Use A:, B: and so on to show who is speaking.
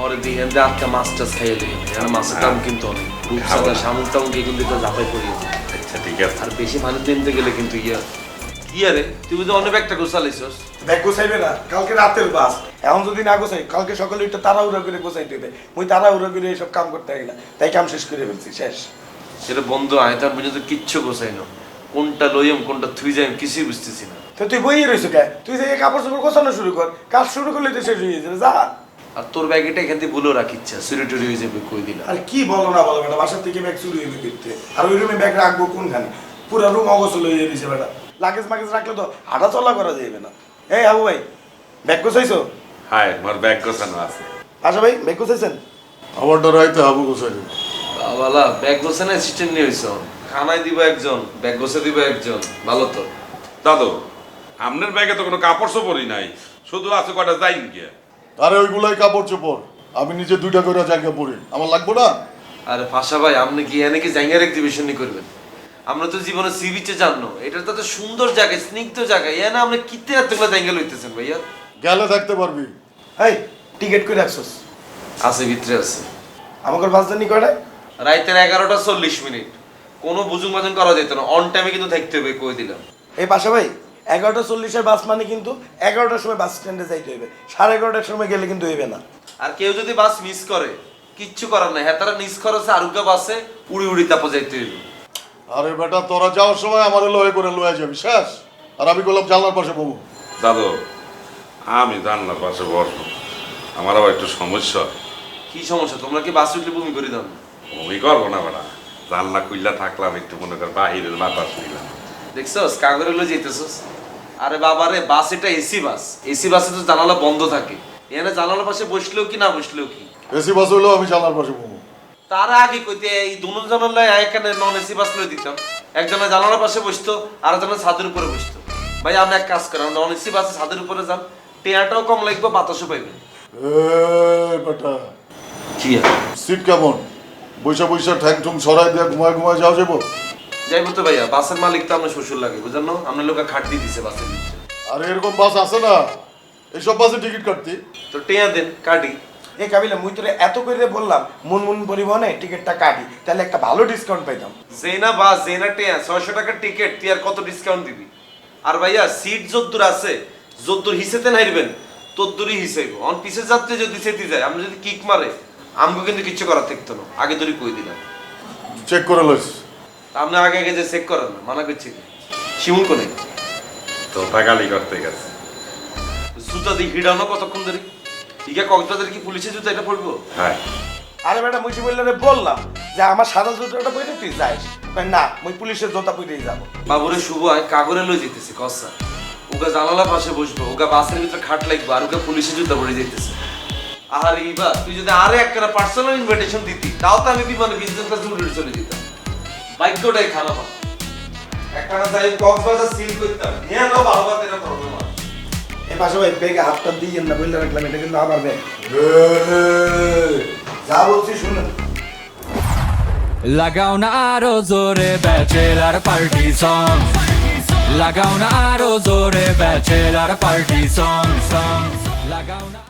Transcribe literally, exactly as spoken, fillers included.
A: পরে দিই এনদে আজকে মাছ টাছ খাইয়ে দিই আর মাছের দাম কিন্তু অনেক রূপসাদা শামুক টামুক কিন্তু তো ঝাপাই করি
B: আচ্ছা ঠিক আছে
A: আর বেশি মানুষ দিনতে গেলে কিন্তু ইয়া কি আরে তুই বুঝি অনেক একটা গোছালাইছস
C: ব্যাগ গোছাইবে না কালকে রাতের বাস এখন যদি না গোছাই কালকে সকালে একটু তাড়াহুড়া করে গোছাইতে হবে মুই তাড়াহুড়া করে এইসব কাম করতে পারি না তাই কাম শেষ করে ফেলছি শেষ
A: সেটা বন্ধু আয় তার পর্যন্ত কিচ্ছু গোছাই না কোনটা লইম কোনটা থুই যাইম কিছুই বুঝতেছি না
C: তো তুই বইয়ে রইছ কে তুই যে কাপড় চোপড় গোছানো শুরু কর কাজ শুরু করলে তো শেষ হয়ে যাবে যা
A: আর তোর ব্যাগটা এখান থেকে ভুলেও রাখিচ্ছা চুরি টুরি হয়ে যাবে কই দিলাম
C: আর কি বলো না বলো বেটা বাসার থেকে ব্যাগ চুরি হইবে করতে আর ওই রুমে ব্যাগ রাখবো কোনখানে পুরো রুম অগোছল হয়ে যাবে বেটা লাগেজ মাগেজ রাখলে তো হাঁটা চলা করা যাবে না এই আবু ভাই ব্যাগ গোছাইছো
B: হাই আমার ব্যাগ গোছানো আছে
C: আচ্ছা ভাই ব্যাগ গোছাইছেন
D: আমার ডরাইতে হাবু গোছাই দেবে
A: বাবালা ব্যাগ গোছানো অ্যাসিস্ট্যান্ট নিয়ে হইছ খানায় দিব একজন ব্যাগ গোছা দিব একজন ভালো তো
B: দাদু আপনার ব্যাগে তো কোনো কাপড় চোপড়ই নাই শুধু আছে কটা যাই গিয়ে
D: আরে ওইগুলাই কাপড় চোপড় আমি নিজে দুইটা করে জায়গা পরি আমার লাগবো না
A: আরে ফাঁসা ভাই আপনি কি এনে কি জায়গার এক্সিবিশন করবেন আমরা তো জীবনে সি বিচে জানো এটা তো এত সুন্দর জায়গা স্নিগ্ধ জায়গা এনে আপনি কিতে এতগুলো জায়গা লইতেছেন ভাইয়া
D: গেলে থাকতে পারবি
C: এই টিকিট করে রাখছস
A: আছে ভিতরে আছে
C: আমাকে বাস জানি কয়টায়
A: রাইতের এগারোটা চল্লিশ মিনিট কোনো বুজুং বাজুং করা যেত না অন টাইমে কিন্তু থাকতে হবে কই দিলাম
C: এই পাশা ভাই এগারোটা চল্লিশের বাস মানে কিন্তু এগারোটার সময় বাস স্ট্যান্ডে যাইতে হইবে সাড়ে এগারোটার সময় গেলে কিন্তু হইবে না
A: আর কেউ যদি বাস মিস করে কিচ্ছু করার নাই হ্যাঁ তারা নিজ খরচে আরুগা বাসে উড়ি উড়ি তাপো যাইতে হইল
D: আরে বেটা তোরা যাওয়ার সময় আমার লয়ে করে লয়ে যাবি শেষ আর আমি বললাম জানলার পাশে বমু
B: দাদু আমি জানলার পাশে বসবো আমার আবার একটু সমস্যা
A: কি সমস্যা তোমরা কি বাস উঠলে বমি করে দাও
B: বমি করবো না বেড়া জানলা খুললা থাকলাম একটু মনে কর বাহিরের বাতাস নিলাম
A: দেখছস কাগরে লই যাইতেছস আরে বাবা রে বাস এটা এসি বাস এসি বাসে তো জানালা বন্ধ থাকে এখানে জানালার পাশে বসলেও কি না বসলেও কি
D: এসি বাস হইলেও আমি জানলার পাশে বমু
A: তার আগে কইতে এই দুনো জানালায় এখানে নন এসি বাস লই দিতাম একজনের জানালার পাশে বসতো আর একজনের ছাদের উপরে বসতো ভাই আমরা এক কাজ করি নন এসি বাসে ছাদের উপরে যান টেয়াটাও কম লাগবে বাতাসও পাইবেন
D: এই বেটা
A: কি
D: সিট কেমন বৈশা বৈশা ঠ্যাং ঠুং সরাই দিয়ে ঘুমায় ঘুমায় যাও যাবো
A: যাইবো তো ভাইয়া বাসের মালিক তো আপনার শ্বশুর লাগে বুঝলেন না আপনার লোকে খাট দিয়ে দিছে বাসের নিচে
D: আরে এরকম বাস আছে না এইসব বাসে টিকিট কাটতি
A: তো টেয়া দেন কাটি
C: এই কাবিলা মুই তোরে এত করে বললাম মুনমুন পরিবহনে টিকিটটা কাটি তাহলে একটা ভালো ডিসকাউন্ট পাইতাম
A: জেনা বাস জেনা টেয়া ছয়শো টাকার টিকিট তুই আর কত ডিসকাউন্ট দিবি আর ভাইয়া সিট যদ্দুর আছে যদ্দুর হিসেতে নাইরবেন তদ্দুরই হিসেব অন পিছের যাত্রী যদি সেটি যায় আমরা যদি কিক মারে আমগো কিন্তু কিচ্ছু করার থাকতো না আগে ধরে কই দিলাম
D: চেক করে লইস
A: আপনি আগে আগে যে চেক করেন না মানা করছি কি শিমুল কোনে
B: তো টাকালি করতে গেছে
A: জুতা দিয়ে হিডানো কতক্ষণ ধরে ইকা কক্সবাজার কি পুলিশের জুতা এটা পড়বো
B: হ্যাঁ
C: আরে বেটা মুই বললে বললাম যে আমার সাদা জুতোটা পরে তুই যাইস কই না মুই পুলিশের জুতা পরেই যাব
A: বাবুরে শুভ হয় কাগরে লই যেতেছি কসা ওগা জানালা পাশে বসবো ওগা বাসের ভিতরে খাট লাগবে আর ওগা পুলিশের জুতা পরে যেতেছে আর ইবা তুই যদি আরে একটা পার্সোনাল ইনভিটেশন দিতি তাও তো আমি বিমানে বিজনেস ক্লাসে উড়ে চলে যেতাম বাইকটাই খারাপ একটা না যাই কক্সবাজার সিল করতাম হ্যাঁ না ভালো বাতে না প্রবলেম আছে
C: এই পাশে ভাই বেগে হাতটা দিয়ে না বললে রাখলাম এটা কিন্তু আবার ব্যাগ যা বলছি শুনুন
E: লাগাও না আরো জোরে ব্যাচেলার পার্টি সং লাগাও না আরো জোরে ব্যাচেলার পার্টি সং সং লাগাও না